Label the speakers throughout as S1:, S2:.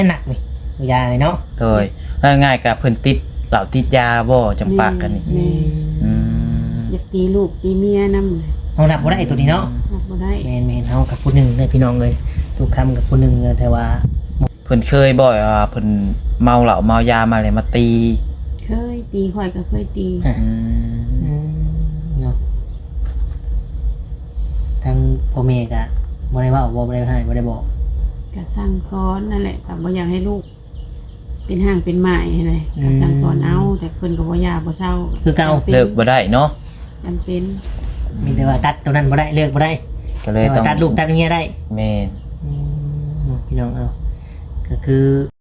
S1: หนักนี่ยาเลยเนาะ
S2: โดยง่ายๆกับเพิ่นติดเหล่าติดยาบ่จำปากกันนี่
S3: อยากตีลูกตีเมียนำเลย
S1: เฮารับบ่ได้ตัวนี้เนาะ
S3: รับบ่ได้
S1: แม่นๆเฮากับผู้หนึงเลยพี่น้องเลยทุกคำกับผู้หนึงเลยแต่ว่า
S2: เพิ่นเคยบ่อยเพิ่นเมาเหล้าเมายามาเลยมาตี
S3: เคยตีข่อยก็เคยตี
S1: เนาะทั้งพ่อแม่ก็บ่ได้ว่าบ่ได้ให้บ่ได้บอก
S3: ก็สั่งสอนนั่นแหละก็บ่อยากให้ลูกเป็นห่างเป็นหมายให้เลยก็สั่งสอนเอาแต่เพิ่นก็บ่ยาบ่เศร้า
S1: คือเก่า
S2: เลิกบ่ได้เนาะ
S3: จำเป็น
S1: มีแต่ว่าตัดตัวนั้นบ่ได้เลิกบ่ได้
S2: ก็เลยต้อง
S1: ตัดลูกตัดเมียได้
S2: แม่น
S1: พี่น้องเอาก็คื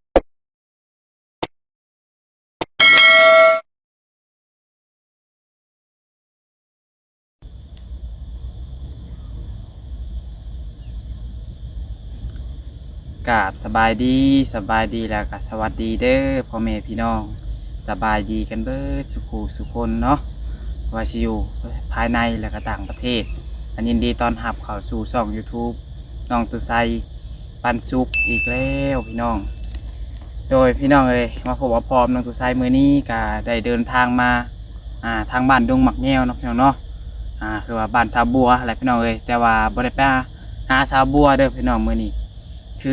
S2: อกราบสบายดีแล้วก็สวัสดีเด้อพ่อแม่พี่น้องสบายดีกันเบิดสุขสุคนเนาะว่าสิอยู่ภายในและก็ต่างประเทศอันยินดีต้อนรับเข้าสู่ช่อง YouTube น้องตุไซปันสุขอีกแล้วพี่น้องโดยพี่น้องมาพบว่าพร้อมน้องตุไซมื้อนี้ก็ได้เดินทางมาทางบ้านดงหมักแง้วเนาะพี่น้องเนาะคือว่าบ้านสาวบัวอะไรพี่น้องแต่ว่าบ่ได้ไปหาสาวบัวเด้อพี่น้องมื้อนี้คือ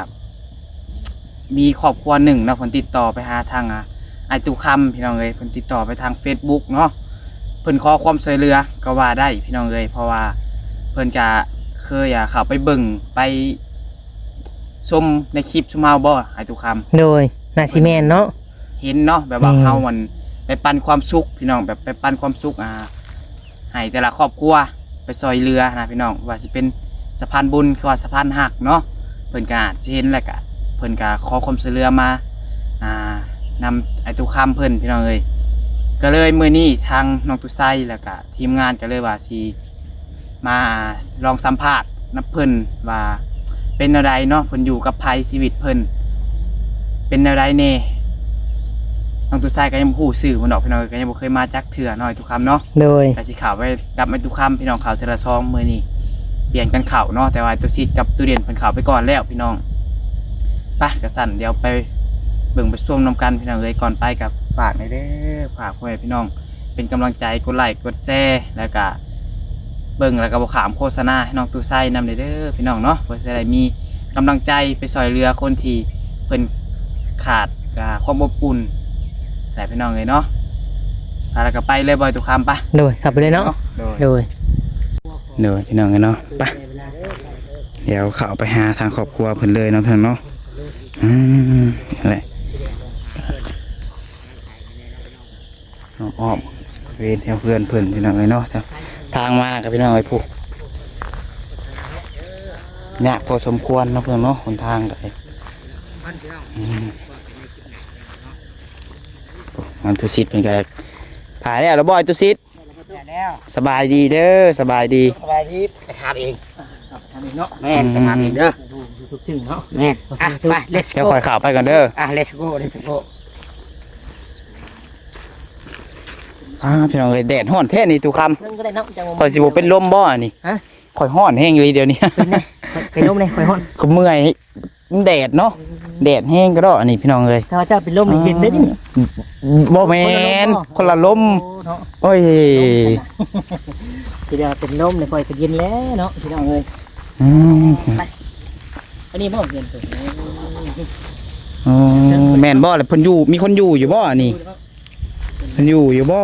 S2: มีครอบครัวหนึ่งเนาะเพิ่นติดต่อไปหาทางไอตุคำพี่น้องเพิ่นติดต่อไปทาง Facebook เนาะเพิ่นขอความช่วยเหลือก็ว่าได้พี่น้องเพราะว่าเพิ่นจะเคยเข้าไปเบิ่งไปชมในคลิปชุมเฮาบ่ไอตุคำ
S1: โดยนาซิแมนเนาะ
S2: เห็นเนาะแบบว่าเฮามันไปปันความสุขพี่น้องแบบไปปันความสุขให้แต่ละครอบครัวไปซอยเรือนะพี่น้องว่าสิเป็นสะพานบุญคือว่าสะพานหักเนาะเพิ่นก็สิเห็นแล้วก็เพิ่นก็ขอความช่วยเหลือมานำไอตุคำเพิ่นพี่น้องก็เลยมื้อนี้ทางน้องตุไซแล้วก็ทีมงานก็เลยว่าสิมาลองสัมภาษณ์นับเพิ่นว่าเป็นอะไรเนาะเพิ่นอยู่กับภัยชีวิตเพิ่นเป็นอะไรแน่น้องตุไซก็ยังบ่ฮู้ชื่อเพิ่นดอกพี่น้องก็ยังบ่เคยมาจักเทื่อน้อยตุคำเนาะ
S1: โดย
S2: ก็สิเข้าไปกับไอตุคำพี่น้องเข้าเทอละซองมื้อนี้เปลี่ยนกันเข้าเนาะแต่ว่าตุซิดกับตุเรียนเพิ่นเข้าไปก่อนแล้วพี่น้องไปกระสั่นเดี๋ยวไปเบิ่งไปชมนำกันพี่น้องก่อนไปกับฝากในเด้อฝากพ่อแม่พี่น้องเป็นกำลังใจกดไลค์กดแชร์แล้วก็เบิ่งแล้วก็บ่ขามโฆษณาให้น้องตู้ไส้นำเด้อพี่น้องเนาะเพื่อจะได้มีกำลังใจไปซอยเรือคนที่เพิ่นขาดความอบอุ่นแต่พี่น้องเนาะแล้วก็ไปเลยบ่อยตุคำปะ
S1: โดยขับไปเลยเนาะโดย
S2: พี่น้องเนาะไปเดี๋ยวเข้าไปหาทางครอบครัวเพิ่นเลยเนาะเพิ่นเนาะอะไรน้องอ้อมเวนแถวเพื่อนเพิ่นพี่น้องเนาะทางมากับพี่น้องผู้เนี่ยพอสมควรเนาะเพื่อนเนาะหนทางกันอันตุซิดเป็นไงถ่ายแล้วบ่อยตุซิดสบายดีเด้อสบายดี
S1: ไปทำเอง
S2: เนาะแม่ไปทำเองเด้อ
S1: ทุกสิ่งเนาะ
S3: แม่ไป
S2: let's go เดี๋ยวคอยข่าวไปก่อนเด้อ
S3: let's go
S2: พี่น้องแดดห้อนแท้นี่ตุคำคอยสิบเป็นลมบ่นี่คอยห้อนแห้งเลยเดี๋ยวนี้
S1: เป็นลมเลยคอยห้อน
S2: ก็เมื่อยแดดเนาะแดดแห้งก็ได้อันนี้พี่น้อง
S1: ถ้าว่าเจ้าเป็นลมเย็นได้ดิ
S2: บ่แมนคนละลมโอ้ย
S1: ทีเดียวเป็นลมเลยคอยก็เย็นแล้วเนาะพี่น้องอันนี้บ่เย็นตัว
S2: แม่นบ่เลยเพิ่นอยู่มีคนอยู่บ่นี่เพิ่นอยู่บ่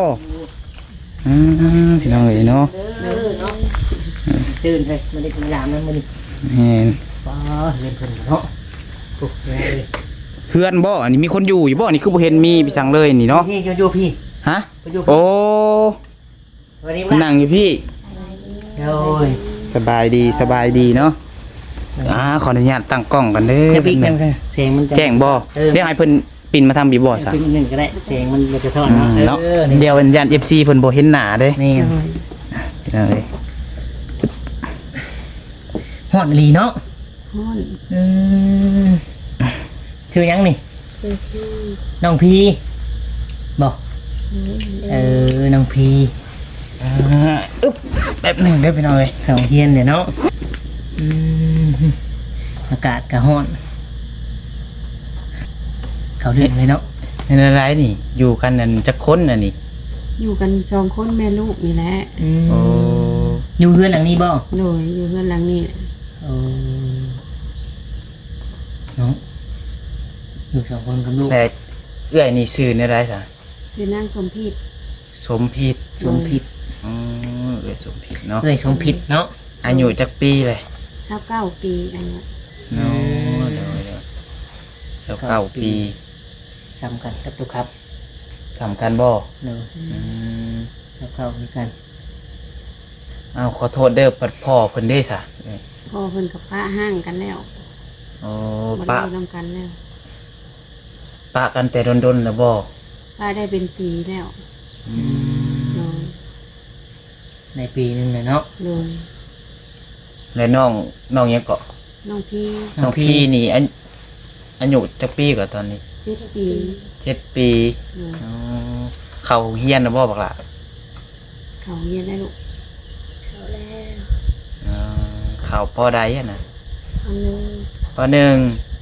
S2: พี่น้องเนาะ
S1: ตื่นเลยมันได้กินยามนั้นมัน
S2: เห็น
S1: เรียนเพิ่นเนาะ
S2: เพื่อนบ่อันนี้มีคนอยู่บ่นี่คือบ่เห็นมีไปสั่งเลยนี่เนาะ
S1: พี่อยู่พี่
S2: ฮะโอ้นั่งอยู่พี่สบายดีเนาะขออนุญาตตั้งกล้องกันเด้อ
S1: เสียงมัน
S2: แจ้งบ่เดี๋ยวให้เพิ่นปิ่นมาทำบีบ่ซะ
S1: ปิ่นนึงก็ได้เสียงมันจะทอดเนาะ
S2: เดี๋ยวญาติ FC เพิ่นบ่เห็นหน้าเด้
S1: นี่ฮอดลีเนาะชื่อยังนี่น้องพีบอกน้องพี
S2: แบบหนึ่งเด้อพี่น้อง
S1: เขาเฮียนเนี่ยเนาะอากาศกะฮ้อนเขาเรื่องเลยเนาะ
S2: เป็นอะไรนี่ อยู่กันนั่นจักคนน่ะนี่
S3: อยู่กัน2คนแม่ลูกนี่แหละ
S2: โอ้
S1: อยู่เรือนหลังนี้บ่
S3: โดยอยู่เฮือนหลังนี้
S1: เออเนาะอยู่สองคนกับลูก
S2: แต่เอื้อยนี่ชื่ออะไรซะ
S3: ชื่อนางสมพิษ
S2: สมพิษ
S1: สมพิษ
S2: อ๋อเอื้อยสมพิษเนาะ
S1: เอ้ยสมพิษเนาะ
S2: อายุจักปีเลย
S3: 29ปีอายุ
S2: เนาะเดี๋ยว29ปี
S1: ซ้ำกันกับตุกครับ
S2: สำคัญบ่
S1: เนาะ
S2: อืม
S1: ซ้ำเข้าเหมือนกัน
S2: อ้าวขอโทษเด้อปัดพ่อเพิ่นเด้ซะเอ้ย
S3: พ่อเพิ่นกับป้าห้างกันแล้ว
S2: โอ้
S3: บ่ได้
S2: ปะ
S3: อยู่นํกันแล้ว
S2: ปะกันแต่ดนๆแล้วบ่
S3: ป้าได้เป็นปีแล้ว
S2: อืม
S3: โดย
S1: ในปีหนึงเลยเนาะ
S3: โดย
S2: แล้วน้องยังเกาะ
S3: น้องพี่
S2: น้องพี่นี่อายุจักปีกว่าตอนนี้
S3: 7ปี
S2: 7 ปี
S3: โดย
S2: อ๋อเขาเฮียนแล้วบ่บักล่ะ
S3: เขาเรียนได้ลูก
S2: อ๋อเขาปอใดอะนะ
S3: อันนึง
S2: ปอหนึ่ง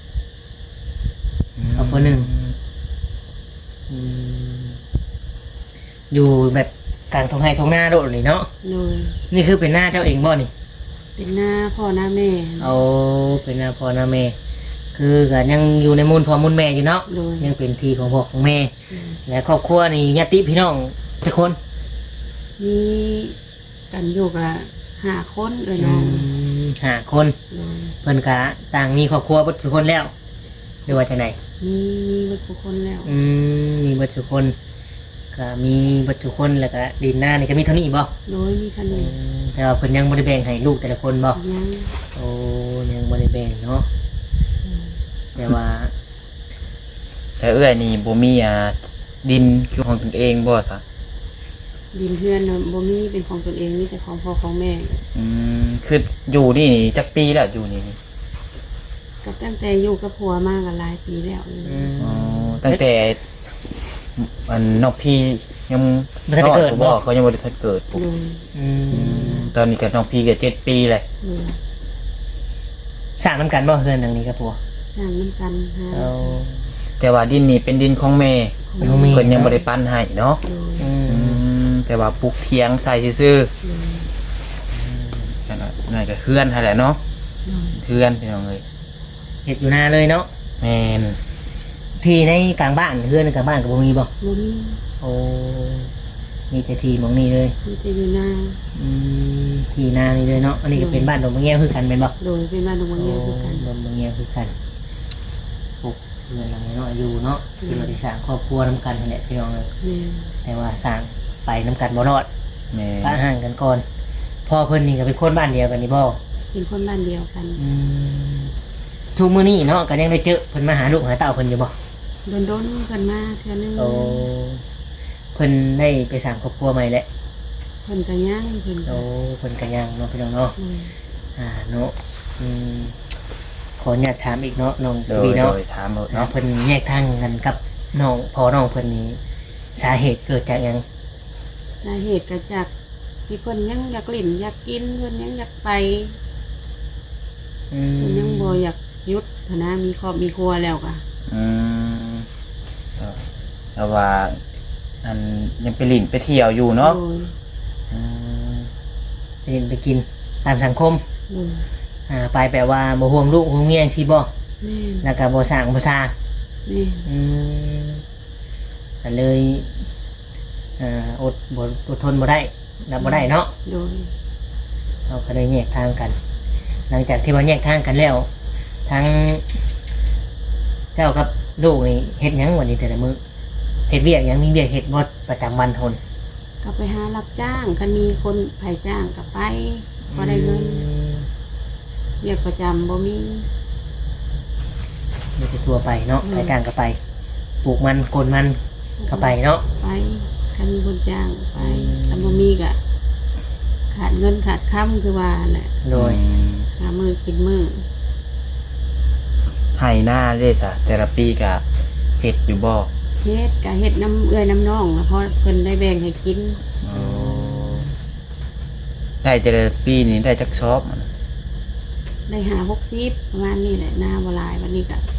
S1: เอาคนหนึ่งอืมอยู่แบบกลางทงไฮทงหน้าโดดเลยเนาะ
S3: โดย
S1: นี่คือเป็นหน้าเจ้าเองบ่นี่
S3: เป็นหน้าพ่อหน้าแม่
S1: เอาเป็นหน้าพ่อหน้าแม่ คือก็ยังอยู่ในมูลพ่อมูลแม่อยู่เนาะ
S3: โดย
S1: ยังเป็นทีของพ่อของแม่
S3: อืม
S1: และครอบครัวนี่ญาติพี่น้องทุกคน
S3: มีกันอยู่กับ5คนน้อง
S1: ห้าคน
S3: โดย
S1: เพิ่นก็ต่างมีครอบครัวเบิดทุกคนแล้วหรือว่าจังได
S3: มีเบิดทุกคนแล้ว
S1: มีเบิดทุกคนก็มีเบิดทุกคนแล้วก็ดินหน้านี่ก็มีเท่านี้บ่
S3: โดยมีคัน
S1: อื
S3: นี้
S1: มแต่ว่าเพิ่นยังบ่ได้แบ่งให้ลูกแต่ละคนบ่
S3: ยัง
S1: โอ้ยังบ่ได้แบ่งเนาะแต่ว่า
S2: แต่เอื้อยนี่บ่มีดินคือของตนเองบ่ซะ
S3: ดินเพื่อนน่ะบ่มีเป็นของตนเองมีแต่ของพ่อของแม่
S2: คืออยู่นี่จักปีแล้วอยู่นี่
S3: ก็ตั้งแต่อยู่กับผัวมากันหลายปีแล้ว
S2: อ๋อตั้งแต่อันน้องพี่ยัง
S1: บ่ทันได้เกิด
S2: บ่
S1: บ่
S2: เขายังบ่ได้ทันเกิดปุ๊บ
S3: โดย
S2: ตอนนี้ก็น้องพี่ก็7 ปีเลย
S3: โดย
S1: สร้างนํกันบ่เฮือนหลังนี้กับผัว
S3: สร้างน้ำกันหา
S1: เอา
S2: แต่ว่าดินนี่เป็นดินของแม่
S1: น้องแม่
S2: เพิ่นยังบ่ได้ปั้นให้เนาะ
S3: โดย
S2: แต่ว่าปลูกเทียงใส่ซื่อ
S3: โดย
S2: ๆนั่นน่ะก็เฮือนให้แหละเนาะ
S3: โดย
S2: เฮือนพี่น้องเอ้ย
S1: เฮ็ดอยู่หน้าเลยเนาะ
S2: แม่น
S1: ที่ในกลางบ้านเฮือนในกลางบ้านก็บ่มีบ่
S3: บ่มี
S1: โอ้มีแต่ที่หมองนี้เลย
S3: มีแต่อยู่นา
S1: ที่นานี่เลยเนาะอันนี้ก็เป็นบ้านดงมะแง้วคือกันเป็นบ่
S3: โดยเป็นบ้านดงมะเงียคือกัน
S1: ดงมะแง้วคือกันปลูกเรือนหลังนี้เนาะอยู่เนาะที่เราได้สร้างครอบครัวน้ำกันนั่นแหละพี่น้องเลย
S3: แม่
S1: แต่ว่าสร้างไปน้ำกันบ่รอด
S2: แม่
S1: ปะห่างกันก่อนพ่อเพิ่นนี่ก็เป็นคนบ้านเดียวกันนี่บ่
S3: เป็นคนบ้านเดียวกัน
S1: ทุกมื้อนี้เนาะก็ยังได้เจอเพิ่นมาหาลูกหาเต้าเพิ่นอยู่บ่
S3: โดนๆกันมาเทื่อนึง
S1: โอ้เพิ่นได้ไปสร้างครอบครัวใหม่แล้ว
S3: เพิ่นก็ย่างเพิ่น
S1: โอ้เพิ่นก็ยังเนาะพี่น้องเนาะ
S3: โดย
S1: เนาะขออนุญาตถามอีกเนาะน้อง
S2: โด
S1: บี
S2: ย
S1: เนาะ
S2: ถามหมด
S1: เนาะ
S2: เนาะ
S1: เพิ่นแยกทางกันกับน้องพอน้องเพิ่นนี้สาเหตุเกิดจากหยัง
S3: สาเหตุก็จากที่เพิ่นยังอยากเล่นอยากกินเพิ่นยังอยากไปเพิ่นยังบ่อยากหยุดฐานะมีครอบมีครัวแล้วก็
S2: อืมแต่ว่าอันยังไปหลินไปเที่ยวอยู่เนาะ
S3: โดย
S1: ไปเล่นไปกินตามสังคม
S3: โดย
S1: ไปแปลว่าบ่ห่วงลูกห่วงเมียสิบ่
S3: แม่น
S1: แล้วก็บ่สร้างบ่ซา
S3: แม่น
S1: ก็เลยอดทนบ่ได้รับบ่ได้เนาะ
S3: โดย
S1: เราก็เลยแยกทางกัน หลังจากที่ว่าแยกทางกันแล้วทั้งเจ้ากับลูกนี่เฮ็ดหยังวันนี้แต่ละมื้อเฮ็ดเวียกหยังมีเวียกเฮ็ดบ่ประจำวันทน
S3: ก็ไปหารับจ้างคันมีคนไผจ้างก็ไปพอได้เงินเรียกประจำบ่มี
S1: มีแต่ตัวไปเนาะ
S3: อืม
S1: ไปกลางก็ไปปลูกมันโกนมันก็ไปเนาะ
S3: ไปคันมีคนจ้างไป
S1: อืม
S3: คันบ่มีก็ขาดเงินขาดค้ำคือว่าแหละ
S1: โดย
S3: หามือกินมือ
S2: ให้หน้าเด้ซะแต่ละปีก็เฮ็ดอยู่บ่
S3: เฮ็ดก็เฮ็ดน้ำเอื้อยน้ำน้องแล้วพอเพิ่นได้แบ่งให้กิน
S2: ได้แต่ละปีนี้ได้จักชอบมัน
S3: ได้หา60ประมาณนี้แหละหน้าบ่หลายวันนี้ก็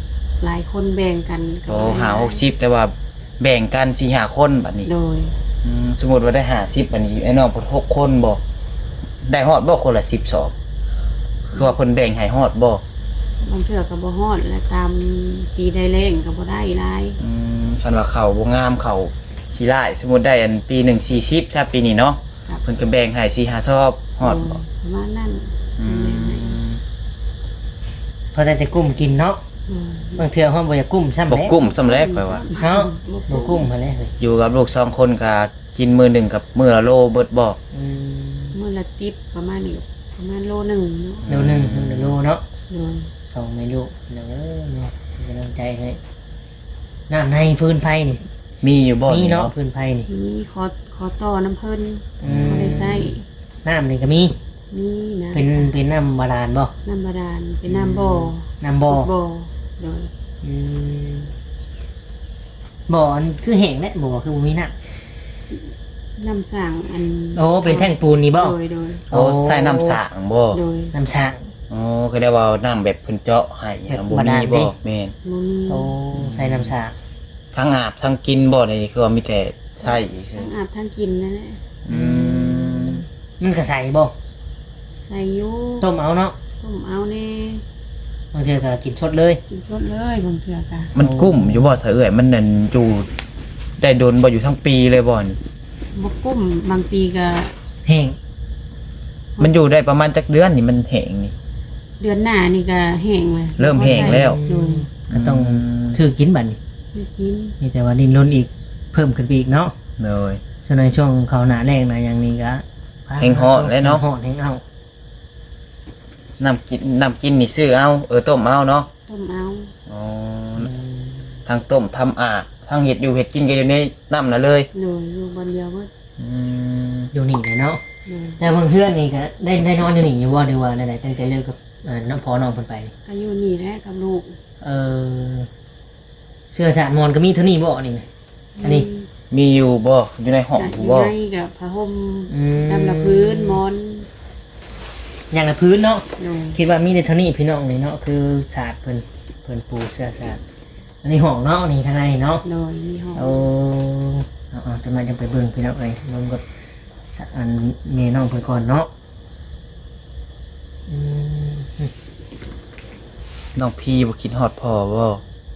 S3: หลายคนแบ่งกันก็
S2: โอ้
S3: บ่ได้
S2: หา60แต่ว่าแบ่งกัน4-5คนบัดนี้
S3: โดย
S2: สมมุติว่าได้50บัดนี้ไอ้น้องเพิ่น6คนบ่ได้ฮอดบ่คนละ10 2คือว่าเพิ่นแบ่งให้ฮอดบ่
S3: บางเทื่อก็บ่ฮอดและตามปีได้แรงก็บ่ได้หลาย
S2: คันว่าเขาบ่งามเขาขี้ร้ายสมมุติได้อันปีหนึ่ง40ซะปีนี้เนาะ
S3: ครับ
S2: เพิ่นก็แบ่งให้4-5ซอบฮอดบ่
S3: ประมาณนั้น
S2: อืม
S1: เพราะแต่กุ้มกินเนาะ
S3: อืม
S1: บางเทื่อเฮาบ่อยากกุ้มซ้ำ
S2: บ่
S1: แหละ
S2: กุ้มสำแรกไปว่า
S1: เนาะบ่กุ้มหั่นแหละเฮ้ย
S2: อยู่กับลูก2คนก็กินมื้อหนึงกับมื้อละโลเบิดบ่
S1: อืม
S3: มื้อละติบประมาณนี้ประมาณโลหนึงเนาะ
S1: เดี๋ยวหนึงเดี๋ยวโลเนาะ
S3: โดย
S1: สองไม่รู้เดี๋ยวเนาะเป็นกำลังใจให้น้ำในฟืนไฟนี่
S2: มีอยู่บ่
S1: มีเนาะฟืนไฟนี่
S3: มีขอต่อน้ำเพิ่น
S1: อืม
S3: บ่ได้ใช้
S1: น้ำนี่ก็มี
S3: มีนะ
S1: เป็นน้ำบาดาลบ่
S3: น้ำบาดาลเป็นน้ำบ่อ
S1: น้ำบ่อ
S3: บ่อโดย
S1: อืมบ่ออันคือแห้งแหละบ่อคือบ่มีน้
S3: น้ำสร้างอัน
S1: ำโอ้เป็นแท่งปูนนี่บ่
S3: โดย
S2: โอ้ใส่น้ำสางบ่
S3: โดย
S1: น้ำสร้าง
S2: อ๋อคือได้ว่าน้ำแบบเพิ่นเจาะให้
S1: แบบ
S2: บ่
S1: บาดา
S2: มี
S1: ล
S2: บ่
S1: ดิ
S2: แม่น
S3: บ่มี
S1: โอ้ใส่น้ำสร้าง
S2: ทั้งอาบทั้งกินบ่นี่คือว่ามีแต่ใช้อีกซื่อ
S3: ทั้งอาบทั้งกินนั่นแหละ
S2: อืม
S1: มันก็ใส่บ่
S3: ใส่อยู่
S1: ต้มเอาเนาะ
S3: ต้มเอาแน่
S1: บางเทื่อก็กินสดเลย
S3: กินสดเลยบางเทื่อก็
S2: มันกุ้มอยู่บ่ซะเอ้ยมันนั่นอยู่ได้โดนบ่อยู่ทั้งปีเลยบ่นี่
S3: บ่กุ้มบางปีก็
S1: แห้ง
S2: มันอยู่ได้ประมาณจักเดือนนี่มันแห้งนี่
S3: เดือนหน้านี่ก็แห้งเลย
S2: เริ่มแห้งแล้ว
S3: โดย
S1: ก็ต้องถือกินบัดนี้
S3: ซื้อกิน
S1: มีแต่ว่าดินล้นอีกเพิ่มขึ้นไปอีกเนาะ
S2: เลย
S1: ส่วนในช่วงเขาหนาแรงนะอย่างนี้ก็
S2: แห้งฮ้อนเลยเนาะ
S1: แห้งฮ้อนแห้งเอา
S2: น้ำกินนี่ซื้อเอาต้มเอาเนาะ
S3: ต้มเอา
S2: อ๋อทั้งต้มทำอาบทั้งเห็ดอยู่เห็ดกินกันอยู่ในน้ำน่ะเลย
S3: โดยอยู่บนเดียวเบิด
S2: อืม
S1: อยู่นี่เลยเนาะ
S3: โดย
S1: แล้วเพื่อนนี่ก็ได้นอนอยู่นี่อยู่บ่ดีว่าไหนๆตั้งแต่เลิกกับน้องพอน้องเพิ่นไปนี่
S3: ก็อยู่นี่แหละกับลูก
S1: เออเสื้อสารมอนก็มีเท่านี้บ่นี่นะอันนี้
S2: มีอยู่บ่อยู่ในห้อง
S3: ก็อ
S2: ผู้
S3: ยู่
S2: บ่
S3: ในกับผ้าห่ม
S1: อืม
S3: น้ำละพื้นหมอน
S1: อย่างละพื้นเนาะ
S3: โดย
S1: คิดว่ามีแต่เท่านี้พี่น้องนี่เนาะคือศาสตร์เพิ่นปูเสื้อศาสตร์อันนี้ห้องเนาะนี่ทางในเนาะ
S3: โดยมีห้อง
S1: เอาจะมาจังไปเบิ่งพี่น้องเอ้ยน้องก็อันเมน้องเพิ่นก่อนเนาะอืม
S2: น้องพี่บ่คิดฮอดพ่อบ่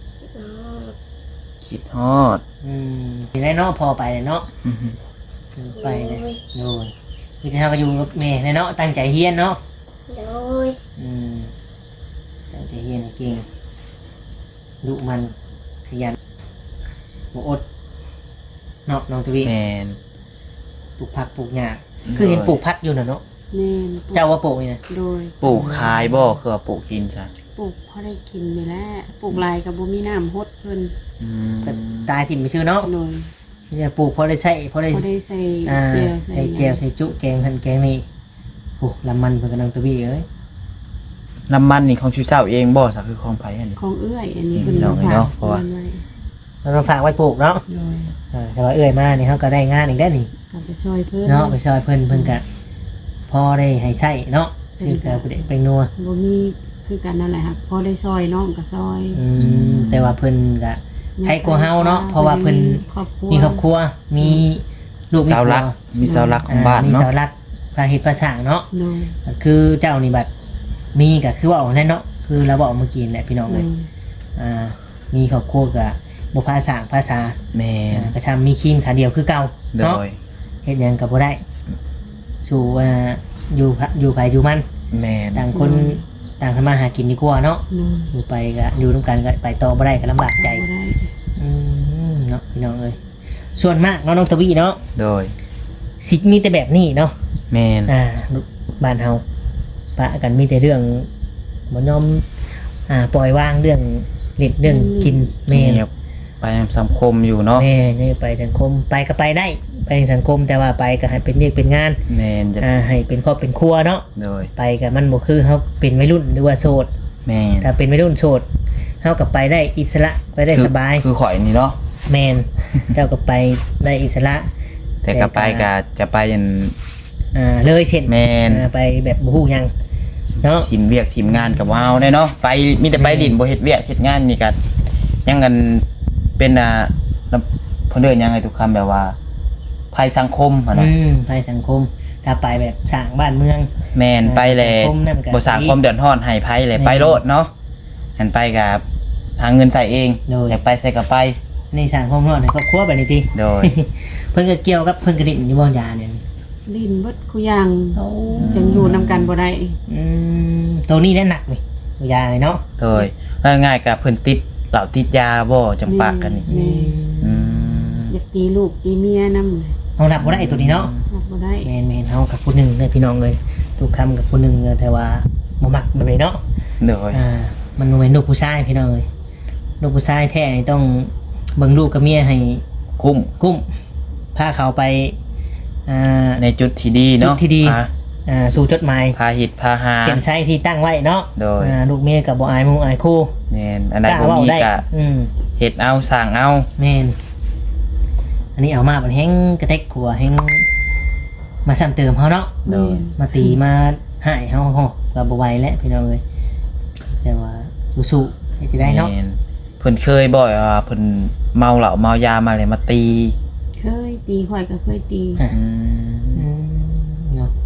S2: คิดฮอด
S1: ทีได้เนาะพอไปเลยเนาะ
S2: อื้อหือ
S1: ไปเลยโดนพี่เจ้าก็อยู่กับแม่เลยเนาะตั้งใจเฮียนเนาะ
S4: โดย
S1: ตั้งใจเฮียนให้เก่งดุมันขยันบ่อดเนาะน้องทวี
S2: แม่น
S1: ปลูกผักปลูกหญ้าคือเห็นปลูกผักอยู่น่ะเนาะ
S3: แม่น
S1: เจ้าว่าปลูกนี่นะ
S3: โดย
S2: ปลูกขายบ่คือว่าปลูกกินซะ
S3: ปลูกพอได้กินนี่แหละปลูกหลายกับบ่มีน้ำฮดเพิ่น
S2: อืม
S1: ก็ตายถิ่นไปชื่อเนาะ
S3: โดย
S1: เนี่ยปลูกพอได้ใช้พอได้
S3: พอได้ใส่
S1: ใส่
S3: ใส่
S1: แก้วใส่จุแกงทันแกงนี่โอ้ลำมันเพิ่นกำลังตะบี้เอ้ย
S2: น้ำมันนี่ของชูเจ้าเองบ่ซะคือของไผอันนี้
S3: ของเอื้อยอันนี้เพิ่น
S2: เนาะ
S3: ฝาก
S2: เนาะเพราะว่า
S3: ไว้
S1: เราต้องฝากไว้ปลูกเนาะ
S3: โดย
S1: แต่ว่าเอื้อยมานี่เขาก็ได้งานอีกได้อนี่
S3: ก็ไปช่วยเพิ่น
S1: เนาะไปซอยเพิ่นกะพอได้ให้ใช้เนาะชื่อกะผู้เด็กเป็นนัว
S3: บ่มีคือกันนั่นแหละครับพอได้ซอยน้องก็ซอย
S1: แต่ว่าเพิ่นกะใครกลัวเฮาเนาะเพราะว่าเพิ่น
S3: ครอบครัว
S1: มีครอบครัวมีลูกมี
S2: เสา
S1: ผั
S2: หลั
S1: ว
S2: กมีเสาหลักของบ้าน
S1: มี
S2: เนาะ
S1: เสาหลักพระเฮ็ดพระสร้างเนาะ
S3: โดย
S1: ก็คือเจ้านี่บัดมีก็คือว่าเอาแน่เนาะคือเราบอกเมื่อกี้แหละพี่น้องเลยมีครอบครัวกะบ่พาสร้างภาษา
S2: แม่น
S1: กระชำมีครีมขาเดียวคือเก่า
S2: โด
S1: เนาะ
S2: ย
S1: เฮ็ดหยังก็บ่ได้สู่อยู่ไผอยู่มัน
S2: แม่น
S1: ต่างคนต่างทำมาหากินดีกว่าเนาะ
S3: โดย
S1: อยู่ไปก็อยู่ร่วมกันก็ไปต่อบ่ได้ก็ลำบากใจ
S3: บ่ได้
S1: เนาะพี่น้องเอ้ยส่วนมากเนาะน้องตะวีเนาะ
S2: โดย
S1: สิมีแต่แบบนี้เนาะ
S2: แม่น
S1: บ้านเฮาปะกันมีแต่เรื่องบ่ยอมปล่อยวางเรื่องเล่นเรื่องกินแม่
S2: เงียบไปสังคมอยู่เนาะ
S1: แม่นี่ไปสังคมไปก็ไปได้ไปสังคมแต่ว่าไปก็ให้เป็นเรียกเป็นงาน
S2: แม่นจะ
S1: ให้เป็นครอบเป็นครัวเนาะ
S2: โดย
S1: ไปก็มันบ่คือเฮาเป็นวัยรุ่นหรือว่าโสด
S2: แม่น
S1: ถ้าเป็นวัยรุ่นโสดเฮาก็ไปได้อิสระไปได้สบาย
S2: คือข่อยนี่เนาะ
S1: แมน เจ้าก็ไปได้อิสระ
S2: แต่ก็ไปก็จะไปยัน
S1: เลยเช่น
S2: แม่น
S1: ไปแบบบ่ฮู้หยังเนาะ
S2: ทีมเวียกทีมงานกับว้าวแน่เนาะไปมีแต่ไปดินบ่เฮ็ดเวียกเฮ็ดงานนี่ก็ยังกันเป็นเพิ่นเดินยังไงทุกคำแบบว่าภัยสังคมหั่นน่ะ
S1: ภัยสังคมถ้าไปแบบสร้างบ้านเมือง
S2: แม่นไปแล
S1: สังคมนั่นก็
S2: บ่สร้างความเดือดร้อนให้ภัยเลย
S1: แม่น
S2: ไปโลดเนาะหันไปกับหาเงินใส่เอง
S1: โดย
S2: อยากไปใส่ก็ไป
S1: ในสร้างความร้อนให้ครอบครัวแบบนี้ติ
S2: โดย
S1: เพิ่นก็เกี่ยวกับเพิ่นกระดิ่งอยู่บ่ยาเนี่ย
S3: ลิ้นเบิดคุอย่างจังอยู่นำกันบ่ได้
S1: ตัวนี้แน่หนักนี่ยาเลยเนาะ
S2: โดยง่ายๆกับเพิ่นติดเหล้าติดยาบ่จำปากกันนี่
S3: แม่
S2: อืม
S3: อยากตีลูกตีเมียนำ
S1: เฮารับบ่ได้ตัวนี้เนาะ
S3: รับบ่ได้
S1: แม่นๆเฮากับผู้หนึงเลยพี่น้องเลยทุกคำกับผู้หนึงเลยแต่ว่าบ่มักแบบนี้เนาะ
S2: โดย
S1: มันบ่แม่นลูกผู้ชายพี่น้องเอ้ยลูกผู้ชายแท้นี่ต้องเบิ่งลูกกับเมียให้
S2: กุ้ม
S1: กุ้มพาเขาไปา
S2: ในจุดที่ดีเนาะ
S1: จุดที่ดี สู่จดหมาย
S2: พาหิตพาหา
S1: เขียนใช้ที่ตั้งไว้เนาะ
S2: โดย
S1: ลูกเมียกับบ่อายหมู่อายคู่
S2: แม่นอันใด
S1: กล้า
S2: บ่
S1: เว้า
S2: มี
S1: ได้
S2: ก็ เฮ็ดเอาสร้างเอา
S1: แม่นอันนี้เอามาบัดแฮงกระเทกขัวแฮงมาซ้ำเติมเฮาเนาะ
S2: โดย
S1: มาตีมาหายเฮาก็บ่ไหวแล้วพี่น้องเอ้ยแต่ว่าสู้ๆให้จะได้เนาะ
S2: แม่นเพิ่นเคยบ่อยว่าเพิ่นเมาเหล้าเมายามาเลยมาตี
S3: เคยตีข่อยก็เคยตี
S1: อ่ะ
S2: อืม
S1: เนาะ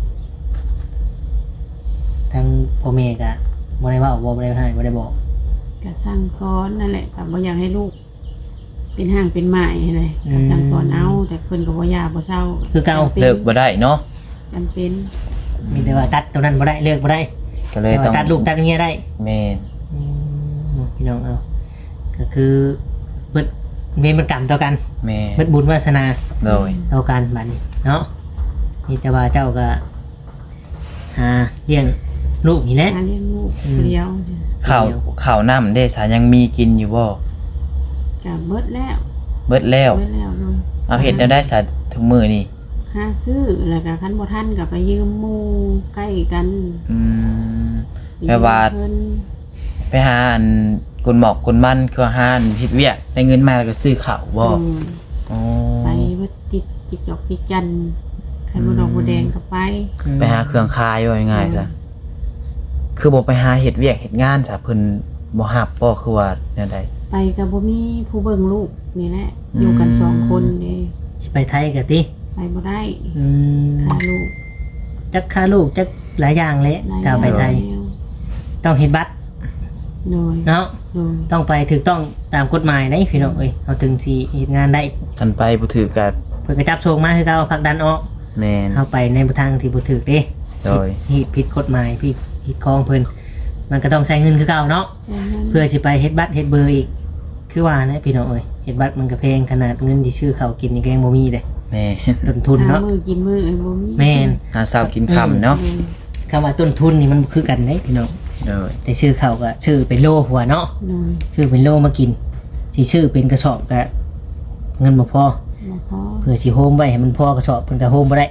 S1: ทางพ่อแม่ก็บ่ได้เว้าบ่ได้ให้บ่ได้บอก
S3: ก็สั่งสอนนั่นแหละก็บ่อยากให้ลูก เป็นห่างเป็นหมายให้เลยก็สั่งสอนเอาแต่เพิ่นก็บ่ยาบ่เศร้า
S1: คือเก่า
S2: เลิกบ่ได้เนาะ
S3: จำเป็น
S1: มีแต่ว่าตัดตัวนั้นบ่ได้เลิกบ่ได้
S2: ก็เลย
S1: แต่
S2: ต้อ
S1: ว่าง ตัดลูกตัดเมียได้
S2: แม่น
S1: พี่น้องเอาก็คือเบิดเวรกรรมต่อกัน
S2: แม่
S1: เบิดบุญวาสนา
S2: โดย
S1: ต่อกันบัดนี้เนาะนี่แต่ว่าเจ้าก็หาเลี้ยงลูกนี่แหละ
S3: หาเลี้ยงลูกเลี้ยว
S2: ข้าวน้ำเด้สายังมีกินอยู่บ่
S3: ก็เบิดแล้ว
S2: เบิดแล้ว
S3: เบิดแล้วลูก
S2: เอาเฮ็ดได้สาทุกมื้อนี่
S3: หาซื้อแล้วก็คันบ่ทันก็ไปยืมหมู่ใกล้กัน
S2: อืม
S3: ไป
S2: แปลว่า
S3: เพิ่น
S2: ไปหาอันกุนหมอกกุนมันคือหาอันเฮ็ดเวียกได้เงินมาแล้วก็ซื้อข้าวบ่อ๋อ
S3: ไปเบิดจิกจอกจิกจันคันบ่ดอกบ่แดงก็ไป
S2: ไปหาเครื่องคายว่าง่ายๆซะคือบ่ไปหาเฮ็ดเวียกเฮ็ดงานซะเพิ่นบ่ฮับบ่คือว่าแนวใด
S3: ไปก็บ่มีผู้เบิ่งลูกนี่แหละอยู่กันสองคนเด้
S1: สิไปไทยก็ติ
S3: ไปบ่ได้
S1: อืม
S3: ค่าลูก
S1: จักค่าลูกจักหลายอย่างเลยถ้าไปไทย ต้องเฮ็ดบัตร
S3: โดย
S1: เนาะ
S3: โดย
S1: ต้องไปถูกต้องตามกฎหมายได้พี่น้องเอ้ยเอาถึงสิเฮ็ดงานได้
S2: คันไปบ่ถือก็
S1: เพิ่นก็จับส่งมาคือเก่าผลักดันออก
S2: แม่น
S1: เข้าไปในทางที่บ่ถูกเด้
S2: โดย
S1: ผิดกฎหมายผิดคองเพิ่นมันก็ต้องใช้เงินคือเก่าเนาะ
S3: ใช่นั้น
S1: เพื่อสิไปเฮ็ดบัตรเฮ็ดเบอร์อีก คือว่านะพี่น้องเอ้ยเฮ็ดบัตรมันก็แพงขนาดเงินที่ซื้อข้าวกินนี่ก็ยังบ่มีเด้
S2: แม่
S1: ต้นทุนเนาะ
S3: หมือกินมือบ่มี
S1: แม่น
S2: หาเช้ากินค่ำเนาะ
S1: คำว่าต้นทุนนี่มันบ่คือกันเด้พี่น้อง
S2: โดย
S1: แต่ซื้อข้าวก็ซื้อเป็นโลหัวเนาะ
S3: โดย
S1: ซื้อเป็นโลมากินสิซื้อเป็นกระสอบก็เงินบ่พอ
S3: บ่พอ
S1: เพื่อสิโฮมไว้ให้มันพอกระสอบเพิ่นก็โฮมบ่ได้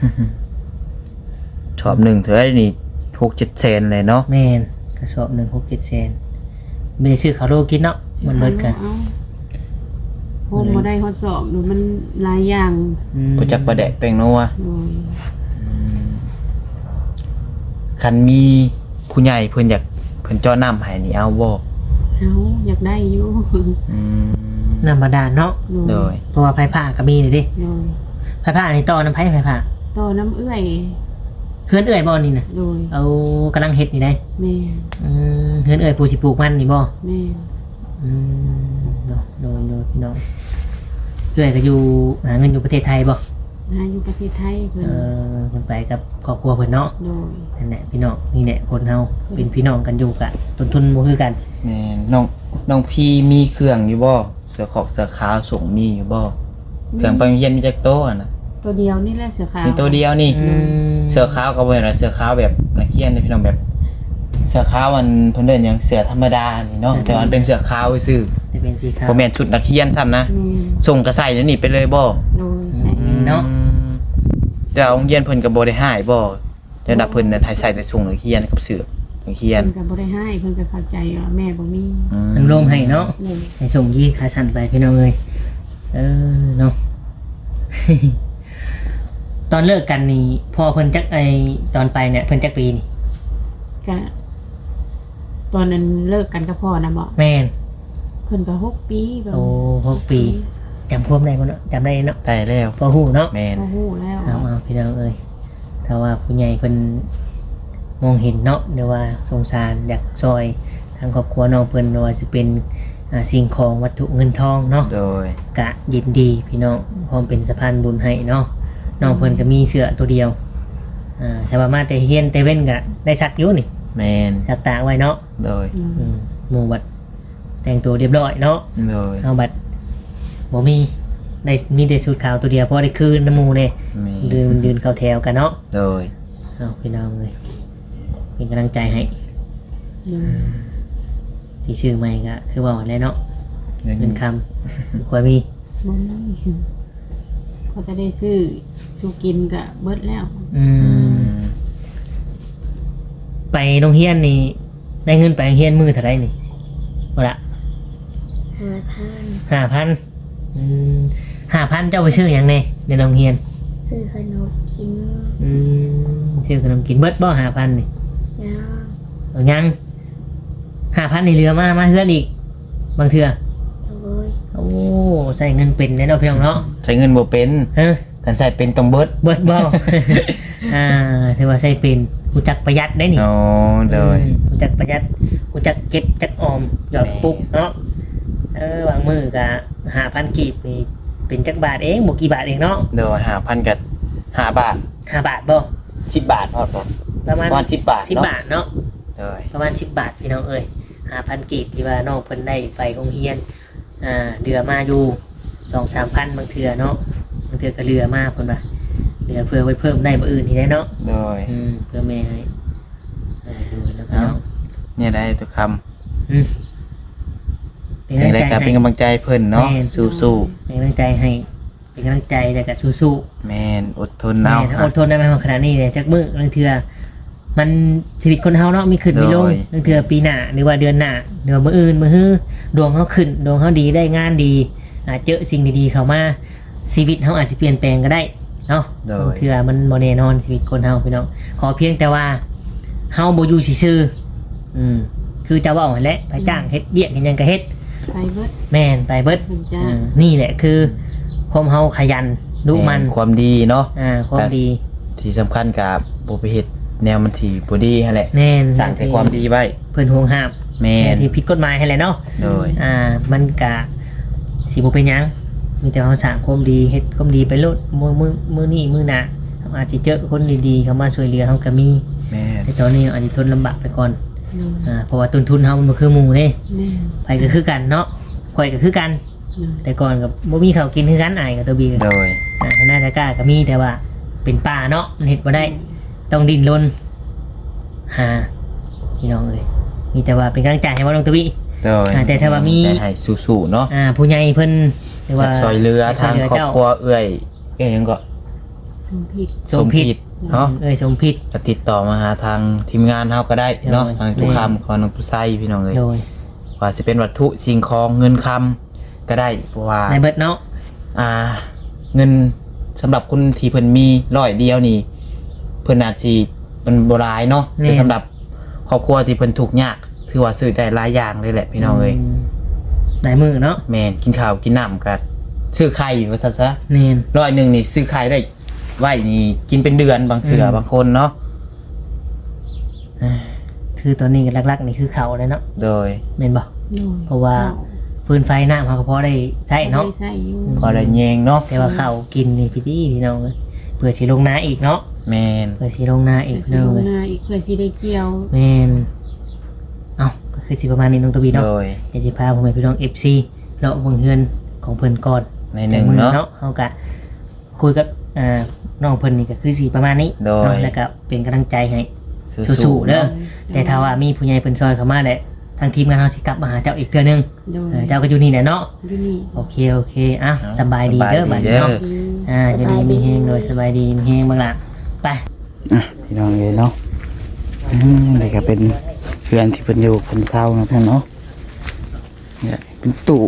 S2: ชอบ1เท่าไหร่นี่ 6-7 แสนเลยเนาะ
S1: แม่นกระสอบหนึ่ง6-7แสนไม่ได้ซื้อข้าวโลกินเนาะมันเบิดกัน
S3: อาโฮมบ่ได้ฮอดสอบดูมันหลายอย่าง
S2: บ่จักประแดกแป้งนัว
S3: โดย
S2: คันมีผู้ใหญ่เพิ่นอยากเพิ่นเจ้าน้ำให้นี่เอาบ่
S3: เอาอยากได้อยู่
S2: อืม
S1: น้ำบาดาลเนาะ
S2: โดย
S1: เพราะว่าไผ่ผ้าก็มีนี่ดิ
S3: โดย
S1: ไผ่ผ้านี่ต่อน้ำไผ่ผ้า
S3: ต่อน้ำเอื้อย
S1: เพื่อนเอื้อยบ่นี่น่ะ
S3: โดย
S1: เอากำลังเฮ็ดนี่ได้
S3: แม่
S1: เพื่อนเอื้อยผู้สิปลูกมันนี่บ่
S3: แม่
S1: โดยพี่น้องเอื้อยก็อยู่หาเงินอยู่ประเทศไทยบ่
S3: หาอยู่ประเทศไทยเพิ่น
S1: เพิ่นไปกับครอบครัวเพิ่นเนาะ
S3: โดย
S1: นั่นแหละพี่น้องนี่แหละคนเฮาเป็นพี่น้องกันอยู่กะต้นทุนบ่คือกัน
S2: แม่นน้องพี่มีเครื่องอยู่บ่เสื้อขอกเสื้อขาวส่งมีอยู่บ่เครื่องไปโรงเรียนมีจักโต๊ะอะน่ะ
S3: ตัวเดียวนี่แหละเสือขาว
S2: มีตัวเดียวนี่ เสื้อขาวก็บ่แม่นว่าเสื้อขาวแบบนักเรียนเด้อพี่น้องแบบ เสื้อขาวมันเพิ่นเอิ้นหยังเสื้อธรรมดานี่เนาะแต่ว่ามันเป็นเสื้อขาวซื่อ
S1: จะเป็นสีขาว
S2: บ่แม่นชุดนักเรียนซ้ำนะ
S3: แม่
S2: ส่งก็ใส่แล้วนี่ไปเลยบ่
S3: โดยใส่
S1: เนาะ
S2: แต่ว่าโรงเรียนเพิ่นก็บ่ได้ให้บ่แต่ดับเพิ่นน่ะให้ใส่แต่ส่งนักเรียนกับเสื้อนักเรียน
S3: เพิ่นก็บ่ได้ให้เพิ่นก็เข้าใจว่าแม่บ่มี
S1: มันลงให้เนาะ
S3: โดย
S1: ให้ส่งยี่ขาสั่นไปพี่น้องเลยเนาะ ตอนเลิกกันนี่พอเพิ่นจักตอนไปเนี่ยเพิ่นจักปีนี่
S3: ก็ตอนนั้นเลิกกันกับพ่อนะบ่
S1: แม่น
S3: พิ่นก็6 ปีแบบ
S1: โอ้6 ปีจำความได้บ่เนาะจำได้เนาะ
S2: ได้แล้ว
S1: พอฮู้เนาะ
S2: แม่น
S3: โอ้โหแล้ว
S1: เอาพี่น้องเอ้ยถ้าว่าผู้ใหญ่เพิ่นมองเห็นเนาะหรือว่าสงสารอยากซอยทางครอบครัวน้องเพิ่นว่าสิเป็นสิ่งของวัตถุเงินทองเนาะ
S2: โดย
S1: กะยินดีพี่น้องพร้อมเป็นสะพานบุญให้เนาะน้องเพิ่นก็มีเสื้อตัวเดียวสามารถแต่เฮียนแต่เว้นก็ได้ซักอยู่นี่
S2: แม่น
S1: ซักตากไว้เนาะ
S2: โดย
S1: หมู่บัดแต่งตัวเรียบร้อยเนาะ
S2: โดย
S1: เอาบัดบ่มีแต่สูทขาวตัวเดียวพอได้คืนน้ำหมู่เด้
S2: แม่
S1: ยืนเข้าแถวกันเนาะ
S2: โดย
S1: เอาพี่น้องเลยเป็นกำลังใจให้ที่ชื่อใหม่ก็คือว่าแล้วเนาะเงินคำควรมี
S3: บ่มีก็จะได้ซื้อสู่กินก็เบิดแล้ว
S1: ไปโรงเรียนนี่ได้เงินไปโรงเรียนมือเท่าไหรนี่บ่ละ
S4: 5,000
S1: 5,000เจ้าไปซื้อหยังในโรงเรียน
S4: ซื้อขนมกิน
S1: ซื้อขนมกินเบิดบ่5,000นี่
S4: ย่าง
S1: เอายัง5,000นี่เหลือมาเฮือนอีกบางเทื่อ
S4: โดย
S1: โอ้ใส่เงินเป็นแน่เนาะพี่น้องเนาะ
S2: ใช้เงินบ่เป็น
S1: ฮะ
S2: กันใส่เป็นต้องเบิด
S1: เบิดบ่ ถือว่าใช้เป็นรู้จักประหยัดได้นี่
S2: โอ้โดย
S1: รู้จักประหยัดรู้จักเก็บจักออมหยอดปุ๊บเนาะบางมือก็5,000กีบนี่เป็นจักบาทเองบ่กี่บาทเองเนาะ
S2: โดย5,000กับ5 บาท
S1: 5 บาทบ่
S2: 10 บาทฮอดบ่
S1: ประมาณ
S2: ประมาณ10 บาท
S1: 10
S2: เนาะ
S1: บาทเนาะ
S2: โดย
S1: ประมาณ10 บาทพี่น้องเอ้ย5,000กีบที่ว่าน้องเพิ่นได้ไปโรงเรียนเดือมาอยู่ 2-3,000บางเทื่อเนาะบางเทื่อก็เรือมาเพิ่นว่าเรือเพื่อไว้เพิ่มได้บ่อื่นที่ได้เนาะ
S2: โดย
S1: เพื่อแม่ให้ดูแล้วพี่น้อง
S2: เนี่ยได้ทุกคำ
S1: เป็น
S2: จัง
S1: กำลัง
S2: ได๋
S1: ใจ
S2: ก็เป็น
S1: ให้
S2: กำลังใจเพิ่นเนาะ
S1: แม่น
S2: สู้
S1: เป็นกำลังใจให้เป็นกำลังใจแต่ก็สู้
S2: ๆแม่นอดทน
S1: ๆ
S2: เอา
S1: แม่ถ้าอดทนได้ไหมขนาดนี้เนี่ยจักมื้อบางเทื่อมันชีวิตคนเฮาเนาะมีขึ้นมีลงบางเทื่อปีหน้าหรือว่าเดือนหน้าหรือว่ามื้ออื่นมื้อฮื้อดวงเฮาขึ้นดวงเฮาดีได้งานดีเจอสิ่งดีๆเข้ามาชีวิตเฮาอาจจะเปลี่ยนแปลงก็ได้เนาะ
S2: โด
S1: บาง
S2: ย
S1: เทื่อมันบ่แน่นอนชีวิตคนเฮาพี่น้องขอเพียงแต่ว่าเฮาบ่อยู่ซื่อๆคือจะเว้าหั่นแหละไปจ้างเฮ็ดเวียกเฮ็ดหยังก็เฮ็ด
S3: ไปเบิด
S1: แม่นไปเบิด
S3: เพิ่นจ้า
S1: นี่แหละคือความเฮาขยันดุมัน
S2: แความดีเนาะ
S1: ความดี
S2: ที่สำคัญกับบ่ไปเฮ็ดแนวมันที่บ่ดีหั่นแหละ
S1: แน่น
S2: สร้างแต่ความดีไว้
S1: เพิ่นห่วงห้าม
S2: แม่น
S1: ที่ผิดกฎหมายให้แหละเนาะ
S2: โดย
S1: มันก็สิบ่เป็นหยังมีแต่เฮาสร้างความดีเฮ็ดความดีไปโลดมื้อนี้มื้อหน้าเราอาจจะเจอคนดีๆเข้ามาช่วยเหลือเฮาก็มี
S2: แม่น
S1: แต่ตอนนี้อาจจะทนลำบากไปก่อนเพราะว่าต้นทุนเฮามันบ่คือหมู่เด้
S3: แม่
S1: ไปก็คือกันเนาะข่อยก็คือกัน แต่ก่อนก็บ่มีข้าวกินคือกันอ้ายกับตัวบีก็
S2: โดย
S1: ให้หน้าตะกร้าก็มีแต่ว่าเป็นป่าเนาะมันเฮ็ดบ่ได้ต้องดิ้นรนหาพี่น้องเอ้ยมีแต่ว่าเป็นกำลังใจให้บ่น้องตะวี
S2: โดย
S1: แต่ถ้าว่ามี
S2: ได้ให้สู้ๆเนาะ
S1: ผู้ใหญ่เพิ่นหรือว่า
S2: ซอยเรือทางครอบครัวเอื้อยหยังก็
S3: สมผิด
S1: สมพิษ
S2: เนาะ
S1: เอ้ยสมพิษ
S2: ก็ติดต่อมาหาทางทีมงานเฮาก็ได้เนาะ
S1: โดย
S2: ทางทุกคำของน้องตุไซพี่น้องเอ้ย
S1: โดย
S2: ว่าสิเป็นวัตถุสิ่งของเงินคำก็ได้เพราะว่า
S1: ในเบิดเนาะ
S2: เงินสำหรับคนที่เพิ่นมี100เดียวนี่เพิ่นอาจสิมันบ่หลายเนาะแต่สำหรับครอบครัวที่เพิ่นทุกข์ยากถือว่าซื้อได้หลายอย่างเลยแหละพี่น้องเอ้ย
S1: ได้มือเนาะ
S2: แม่นกินข้าวกินน้ำก็ซื้อไข่ว่าซั่นซะ
S1: แม่น
S2: 100นี่ซื้อไข่ได้ไว้นี่กินเป็นเดือนบางเทื่อบางคนเนาะ
S1: คือตอนนี้ก็หลักๆนี่คือเขาเลยเนาะ
S2: โดย
S1: แม่นบ่
S3: โดย
S1: เพราะว่าฟืนไฟน้ำเขาก็พอได้ใช้เนาะ
S3: ใช่อยู่
S2: พอได้แยงเนาะ
S1: แต่ว่าข้าวกินนี่พี่น้องเอ้ยเพื่อสิลงนาอีกเนาะ
S2: แม่น
S1: เพื่อสิลงนาอีก
S3: เพื่อ
S1: เนาะ
S3: สิลง
S1: เอ้ย
S3: นาอีกเพื่อสิได้เกี่ยว
S1: แม่นเอ้าก็คือสิประมาณนี้น้องตวบีเนาะ
S2: โดย
S1: เดี๋ยวสิพาผมไปพี่น้อง FC เลาะเบิ่งเฮือนของเพิ่นก่อน
S2: ในหนึ่ง
S1: มื้อ
S2: เนาะ
S1: เฮาก็คุยกับน้องเพิ่นนี่ก็คือสิประมาณนี้
S2: โดย
S1: เนาะแล้วก็เป็นกำลังใจให้
S2: สู้
S1: สู้ๆ
S2: ๆ
S1: เด้อ
S2: เนาะ
S1: แต่ถ้าว่ามีผู้ใหญ่เพิ่นซอยเข้ามาแหละทางทีมงานเฮาสิกลับมาหาเจ้าอีกเทื่อนึง
S3: โดย
S1: เจ้าก็อยู่นี่แหละเนาะ
S3: อยู่นี่
S1: โอเคอ่ะสบายดีเด้อบัดนี้เนาะ อยู่ดีมีแฮงโดยสบายดีมีแฮงบ้างล่ะไป
S2: พี่น้องเลยเนาะนี่ก็เป็นเพื่อนที่เพิ่นอยู่เพิ่นเศร้านะเพื่อนเนาะเนี่ยเป็นตู้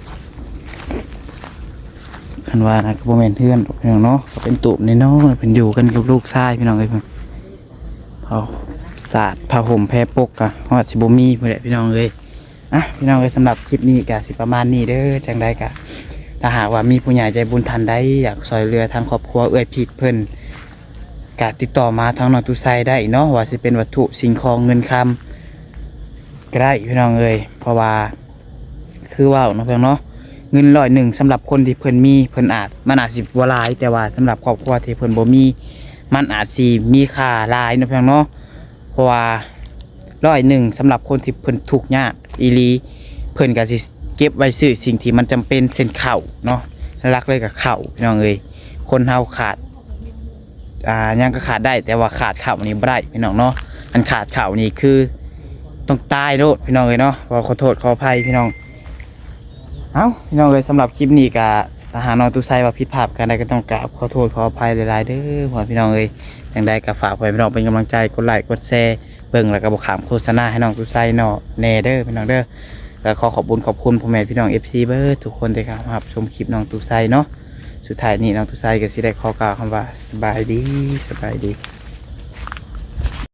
S2: เพิ่นว่านะก็บ่แม่นเพื่อนพี่น้องเนาะก็เป็นตู้น้อยๆเพิ่นอยู่กันกับลูกชายพี่น้องเอ้ยเพิ่นเอาสาดผ้าห่มแพรปกอะฮอดสิบ่มีพุ่นแหละพี่น้องเอ้ยอ่ะพี่น้องเอ้ยสำหรับคลิปนี้ก็สิประมาณนี้เด้อจังใดก็ถ้าหากว่ามีผู้ใหญ่ใจบุญท่านใดอยากซอยเรือทางครอบครัวเอื้อยพีกเพิ่นก็ติดต่อมาทางน้องตุไซได้เนาะว่าสิเป็นวัตถุสิ่งของเงินคำก็ได้พี่น้องเอ้ยเพราะว่าคือว่าเนาะเพิ่นเนาะเงิน100สำหรับคนที่เพิ่นมีเพิ่นอาจมันอาจสิบ่หลายแต่ว่าสำหรับครอบครัวที่เพิ่นบ่มีมันอาจสิมีค่าหลายเนาะเพิ่นเนาะเพราะว่า100สำหรับคนที่เพิ่นทุกข์ยากอีหลีเพิ่นก็สิเก็บไว้ซื้อสิ่งที่มันจำเป็นเช่นข้าวเนาะหลักเลยกับข้าวพี่น้องเอ้ยคนเฮาขาดยังก็ขาดได้แต่ว่าขาดข้าวนี่บ่ได้พี่น้องเนาะอันขาดข้าวนี่คือต้องตายโลดพี่น้องเอ้ยเนาะขอโทษขออภัยพี่น้องเอ้าพี่น้องเอ้ยสำหรับคลิปนี้ก็ถ้าหากน้องตุไซว่าผิดพลาดกันใดก็ต้องกราบขอโทษขออภัยหลายๆเด้อพ่อพี่น้องเอ้ยจังใดก็ฝากพี่น้องเป็นกำลังใจกดไลค์กดแชร์เบิ่งแล้วก็บ่ขามโฆษณาให้น้องตุไซเนาะแน่เด้อพี่น้องเด้อแล้วขอขอบคุณพ่อแม่พี่น้อง FC เบิร์ดทุกคนที่เข้ามารับชมคลิปน้องตุไซเนาะสุดท้ายนี้น้องตุไซก็สิได้ขอกล่าวคำว่าสบายดี